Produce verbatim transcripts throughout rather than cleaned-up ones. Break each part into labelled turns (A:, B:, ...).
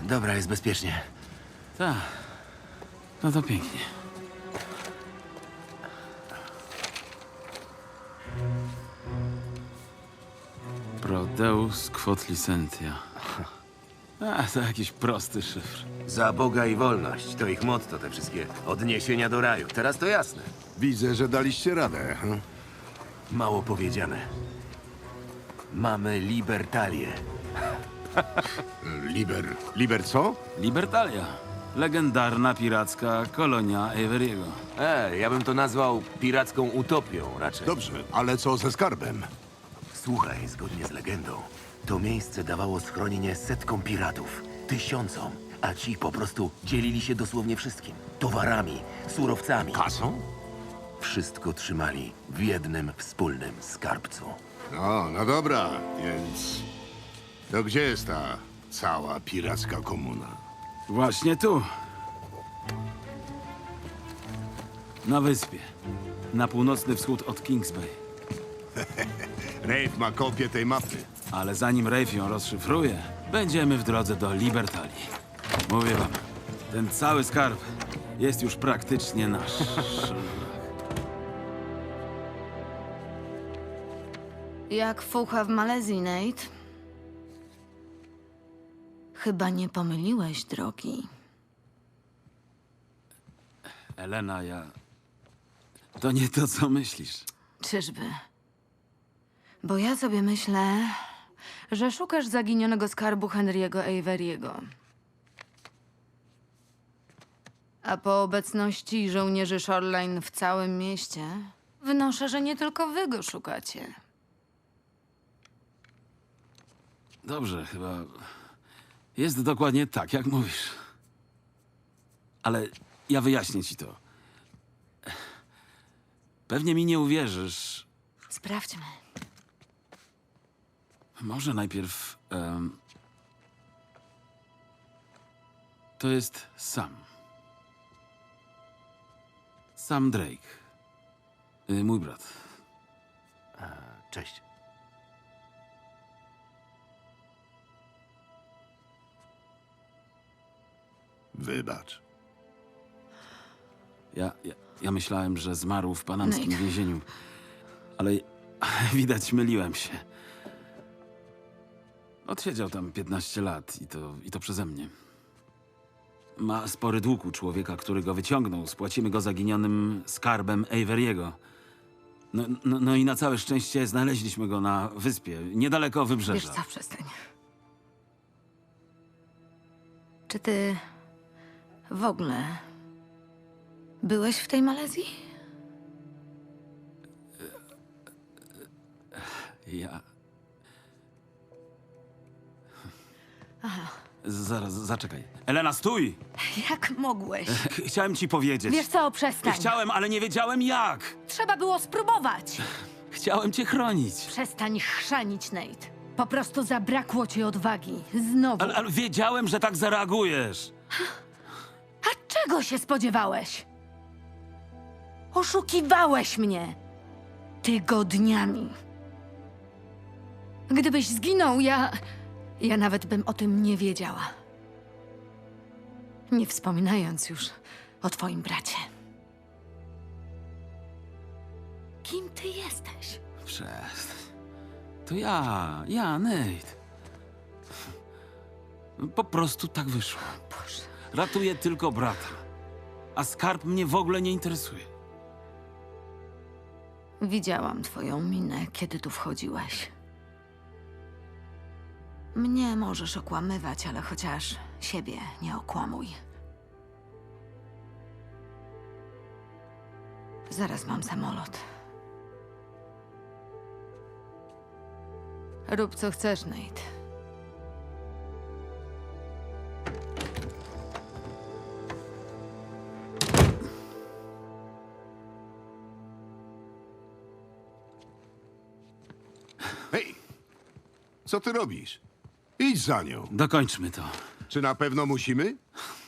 A: Dobra, jest bezpiecznie.
B: Tak. No to pięknie. Prodeus quod licentia. A, to jakiś prosty szyfr.
A: Za Boga i wolność. To ich motto, te wszystkie odniesienia do raju. Teraz to jasne.
C: Widzę, że daliście radę. Hm?
A: Mało powiedziane. Mamy libertalię.
C: Liber... Liber co?
B: Libertalia. Legendarna piracka kolonia Averiego.
A: E, ja bym to nazwał piracką utopią raczej.
C: Dobrze, ale co ze skarbem?
A: Słuchaj, zgodnie z legendą, to miejsce dawało schronienie setkom piratów, tysiącom, a ci po prostu dzielili się dosłownie wszystkim. Towarami, surowcami.
C: Kasą?
A: Wszystko trzymali w jednym wspólnym skarbcu.
C: No, no dobra, więc... To gdzie jest ta cała piracka komuna?
B: Właśnie tu. Na wyspie. Na północny wschód od Kings Bay.
C: Rafe ma kopię tej mapy.
B: Ale zanim Rafe ją rozszyfruje, będziemy w drodze do Libertalii. Mówię wam, ten cały skarb jest już praktycznie nasz.
D: Jak fucha w Malezji, Nate? Chyba nie pomyliłeś drogi.
B: Elena, ja... To nie to, co myślisz.
D: Czyżby? Bo ja sobie myślę, że szukasz zaginionego skarbu Henry'ego Averiego. A po obecności żołnierzy Shoreline w całym mieście, wnoszę, że nie tylko wy go szukacie.
B: Dobrze, chyba... Jest dokładnie tak, jak mówisz. Ale ja wyjaśnię ci to. Pewnie mi nie uwierzysz.
D: Sprawdźmy.
B: Może najpierw... em, to jest Sam. Sam Drake. Y, mój brat.
A: Cześć.
C: Wybacz.
B: Ja, ja, ja myślałem, że zmarł w panamskim
D: Nate.
B: więzieniu. Ale widać, myliłem się. Odsiedział tam piętnaście lat i to, i to przeze mnie. Ma spory dług u człowieka, który go wyciągnął. Spłacimy go zaginionym skarbem Averiego. No, no, no i na całe szczęście znaleźliśmy go na wyspie, niedaleko
D: Wiesz
B: wybrzeża.
D: co, przestań. Czy ty w ogóle byłeś w tej Malezji?
B: Ja... Zaraz, zaczekaj. Elena, stój!
D: Jak mogłeś?
B: Ch- Chciałem ci powiedzieć.
D: Wiesz co, przestań.
B: Chciałem, ale nie wiedziałem jak.
D: Trzeba było spróbować.
B: Chciałem cię chronić.
D: Przestań chrzanić, Nate. Po prostu zabrakło ci odwagi. Znowu.
B: Ale, ale wiedziałem, że tak zareagujesz.
D: A czego się spodziewałeś? Oszukiwałeś mnie. Tygodniami. Gdybyś zginął, ja... Ja nawet bym o tym nie wiedziała. Nie wspominając już o twoim bracie. Kim ty jesteś?
B: Przestań. To ja, ja, Nate. Po prostu tak wyszło.
D: Boże.
B: Ratuję tylko brata. A skarb mnie w ogóle nie interesuje.
D: Widziałam twoją minę, kiedy tu wchodziłeś. Mnie możesz okłamywać, ale chociaż siebie nie okłamuj. Zaraz mam samolot. Rób co chcesz, Nate.
C: Hej! Co ty robisz? Idź za nią.
B: Dokończmy to.
C: Czy na pewno musimy?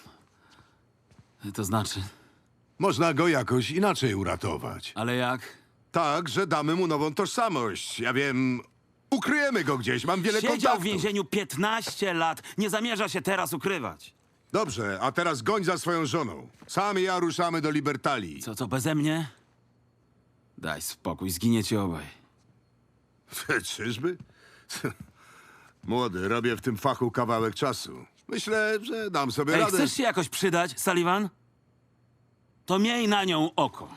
B: To znaczy,
C: Można go jakoś inaczej uratować.
B: ale jak?
C: Tak, że damy mu nową tożsamość. Ja wiem, Ukryjemy go gdzieś, mam wiele
B: Siedział
C: kontaktów.
B: w więzieniu piętnaście lat. Nie zamierza się teraz ukrywać.
C: Dobrze, a teraz goń za swoją żoną. Sam i ja ruszamy do Libertalii.
B: Co, co, beze mnie? Daj spokój, zginiecie obaj.
C: Czyżby? Młody, robię w tym fachu kawałek czasu. Myślę, że dam sobie
B: Ej,
C: radę.
B: chcesz się jakoś przydać, Sullivan? To miej na nią oko.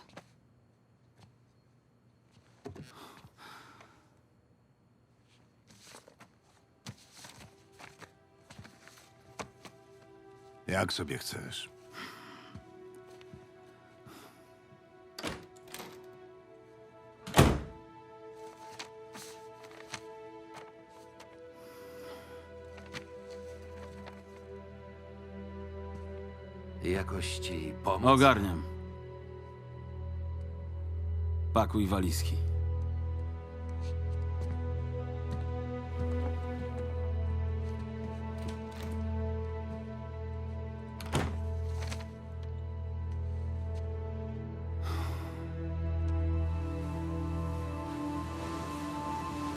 C: Jak sobie chcesz.
A: Jakoś ci pomóc?
B: Ogarniam. Pakuj walizki.